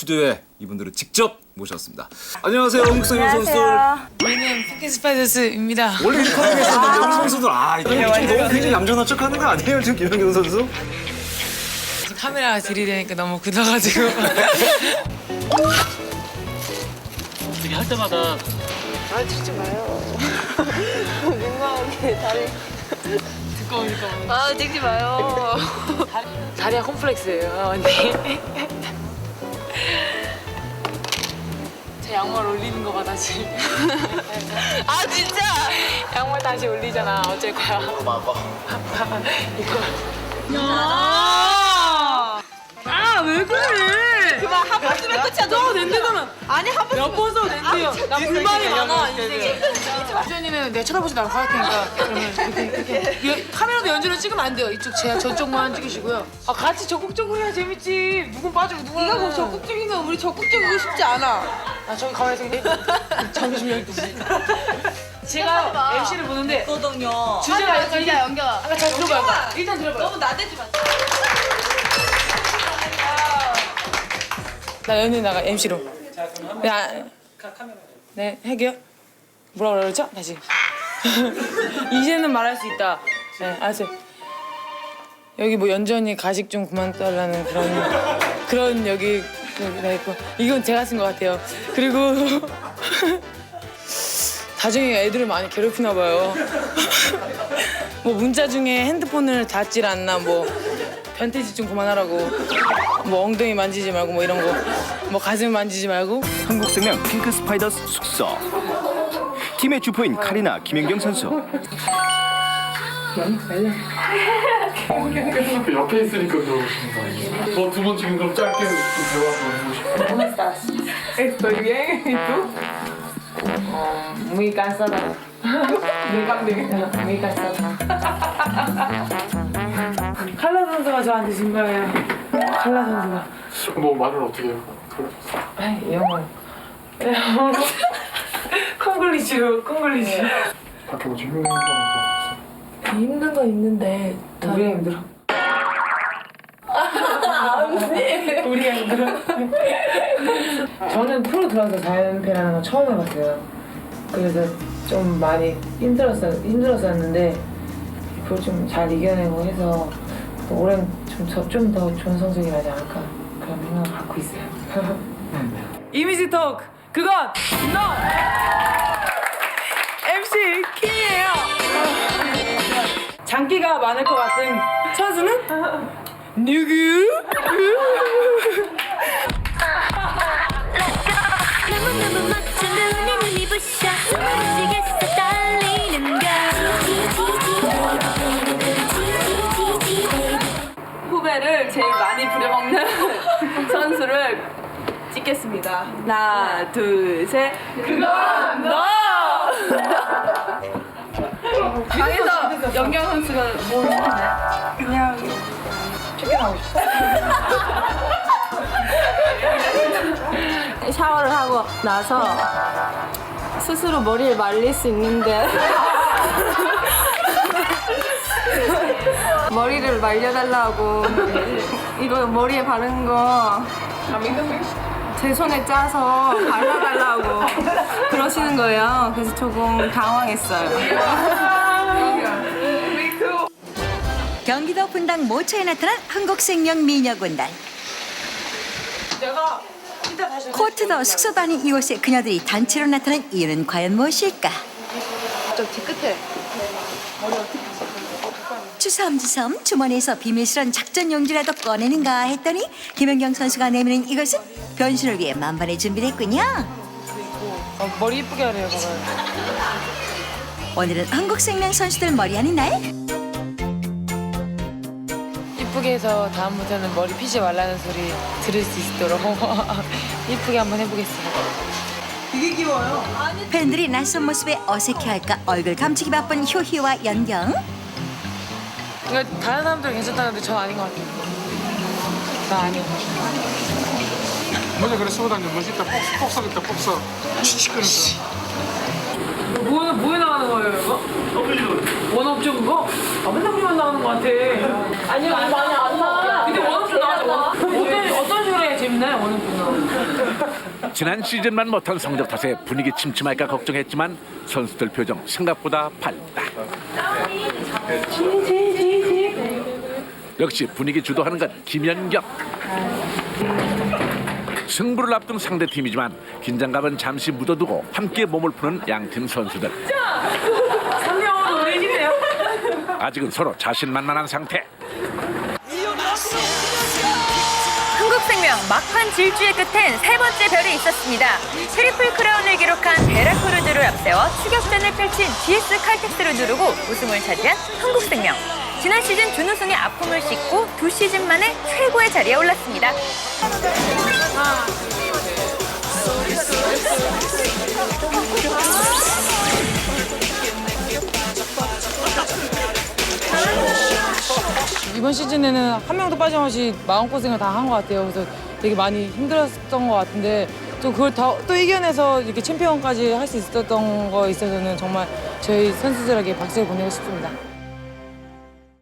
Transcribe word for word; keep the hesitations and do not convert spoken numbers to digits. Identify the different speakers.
Speaker 1: 스튜디오에 이분들을 직접 모셨습니다. 안녕하세요, 한국성인 선수들.
Speaker 2: 우리는 핑크 스파이더스입니다.
Speaker 1: 원래 이렇게 하는 게 있었는데 우리 선수들 아 이거 좀 너무 굉장히 얌전한 척하는 거 아니에요, 지금 김연경 선수?
Speaker 2: 카메라가 들이대니까 너무 굳어가지고.
Speaker 3: 되게 할 때마다
Speaker 4: 아 찍지 마요. 민망하게 다리.
Speaker 2: 두꺼우니까.
Speaker 4: 아 찍지 마요.
Speaker 2: 다리가 콤플렉스예요, 언니. 제 양말 올리는 거 봐, 다시.
Speaker 4: 아 진짜.
Speaker 2: 양말 다시 올리잖아, 어쩔 거야.
Speaker 3: 봐봐.
Speaker 2: 이거.
Speaker 4: 아왜 그래? 그만 한 번 쓰면 끝이야. 너
Speaker 2: 낸데가면
Speaker 4: 아니 한 번.
Speaker 2: 몇 번 써도 된대요. 나 불만이 많아, 인생에.
Speaker 4: 인생에.
Speaker 2: 주연이는 내가 쳐다보지 말고 할 테니까 그러면 이렇게 이렇게 여- 카메라도 연주를 찍으면 안 돼요. 이쪽 제 저쪽만 찍으시고요. 아 같이 적극적으로 해야 재밌지. 누군 빠지고 누군.
Speaker 4: 네가 뭐 적극적이면 우리 적극적이고 싶지 않아.
Speaker 2: 아 저기 가만히 있어. 점심 열두 시. 제가 엠씨를 보는데
Speaker 4: 거든요.
Speaker 2: 주제가 약간
Speaker 4: 진짜 연경아.
Speaker 2: 아까 잘 들어봐요. 일단 들어봐요.
Speaker 4: 너무 나대지 마.
Speaker 2: 나 연예 나가 엠씨로. 야, 네 해게요. 뭐라 그러죠? 다시. 이제는 말할 수 있다. 네, 알았어요. 여기 뭐 연주 언니 가식 좀 그만 달라는 그런 그런 여기 다 있고 이건 제가 쓴 것 같아요. 그리고 나중에 애들을 많이 괴롭히나 봐요. 뭐 문자 중에 핸드폰을 닫질 않나 뭐 변태짓 좀 그만하라고 뭐 엉덩이 만지지 말고 뭐 이런 거 뭐 가슴 만지지 말고
Speaker 5: 한국생명 핑크 스파이더스 숙소. 팀의 주포인 카리나 김연경 선수.
Speaker 6: 그 옆에 있으니까 그러시는 거 아니에요? 저 두 분 지금 그럼 짧게 좀 대화 좀 해보시죠.
Speaker 2: Estoy bien, ¿y tú? Muy cansada. Muy cansada. Muy cansada. 칼라 선수가 저한테 진 거예요. 칼라 선수가.
Speaker 6: 뭐 말을 어떻게 해요?
Speaker 2: 아이, 영어. 영어. 콩글리시로, 콩글리시.
Speaker 6: 밖에 뭐 질문 거 없어요?
Speaker 2: 힘든 건 있는데 우리가 힘들어. 언니. 우리가 힘들어. 저는 프로 들어서 자연패라는 건 처음 해봤어요. 그래서 좀 많이 힘들었어, 힘들었었는데 그걸 좀 잘 이겨내고 해서 올해는 좀 더 좋은 성적이 나지 않을까 그런 생각을 갖고 있어요. 이미지 토크 그건 너 엠씨 킹이에요. 장기가 많을 것 같은 선수는 누구?
Speaker 7: 너무너무 멋진 눈에 눈이 부셔 미치겠어 떨리는 걸
Speaker 4: 후배를 제일 많이 부려먹는 선수를 찍겠습니다. 하나, 둘, 셋. 그건 너! 방에서 연경 선수가 뭘 했는데? 그냥
Speaker 2: 쫓겨나고 싶어.
Speaker 8: 샤워를 하고 나서 스스로 머리를 말릴 수 있는데 머리를 말려달라고 이거 머리에 바른 거 제 손에 짜서 발라달라고 그러시는 거예요. 그래서 조금 당황했어요.
Speaker 9: 경기도 분당 모처에 나타난 한국생명 미녀군단. 코트도 숙소도 아닌 이곳에 그녀들이 단체로 나타난 이유는 과연 무엇일까?
Speaker 4: 좀 뒤끝에.
Speaker 9: 주섬주섬 주머니에서 비밀스런 작전 용지라도 꺼내는가 했더니 김연경 선수가 내미는 이것은 변신을 위해 만반의 준비를 했군요.
Speaker 2: 어, 머리 이쁘게 하래요, 봐봐요.
Speaker 9: 오늘은 한국생명 선수들 머리하는 날.
Speaker 2: 이쁘게 해서 다음부터는 머리 피지 말라는 소리 들을 수 있도록 이쁘게 한번 해보겠습니다.
Speaker 9: 팬들이 낯선 모습에 어색해할까 얼굴 감추기 바쁜 효희와 연경.
Speaker 2: 이거 다른 사람들은 괜찮다는데 전 아닌 것 같아요. 나 아니야.
Speaker 6: 먼저 그래 쓰고 다니는 멋있다 폭삭 있다 폭삭 치치거리다.
Speaker 2: 뭐에, 뭐에 나가는 거예요, 이거? 원업죠, 그거? 아, 맨날 우리만 나가는 것 같아. 아니요, 많이 안 나. 근데 원업쇼 나가죠, 원업. 어떤, 어떤 식으로 해야 재밌나요, 원업쇼는?
Speaker 10: 지난 시즌만 못한 성적 탓에 분위기 침침할까 걱정했지만 선수들 표정 생각보다 밝다. 역시 분위기 주도하는 건 김연경. 승부를 앞둔 상대팀이지만 긴장감은 잠시 묻어두고 함께 몸을 푸는 양팀 선수들. 아직은 서로 자신만만한 상태.
Speaker 4: 한국생명 막판 질주의 끝엔 세 번째 별이 있었습니다. 트리플 크라운을 기록한 베라크루즈를 앞세워 추격전을 펼친 지에스 칼텍스를 누르고 우승을 차지한 한국생명. 지난 시즌 준우승의 아픔을 씻고 두 시즌 만에 최고의 자리에 올랐습니다.
Speaker 2: 이번 시즌에는 한 명도 빠짐없이 마음고생을 다 한 것 같아요. 그래서 되게 많이 힘들었던 것 같은데 또 그걸 다, 또 이겨내서 이렇게 챔피언까지 할 수 있었던 거 있어서는 정말 저희 선수들에게 박수를 보내고 싶습니다.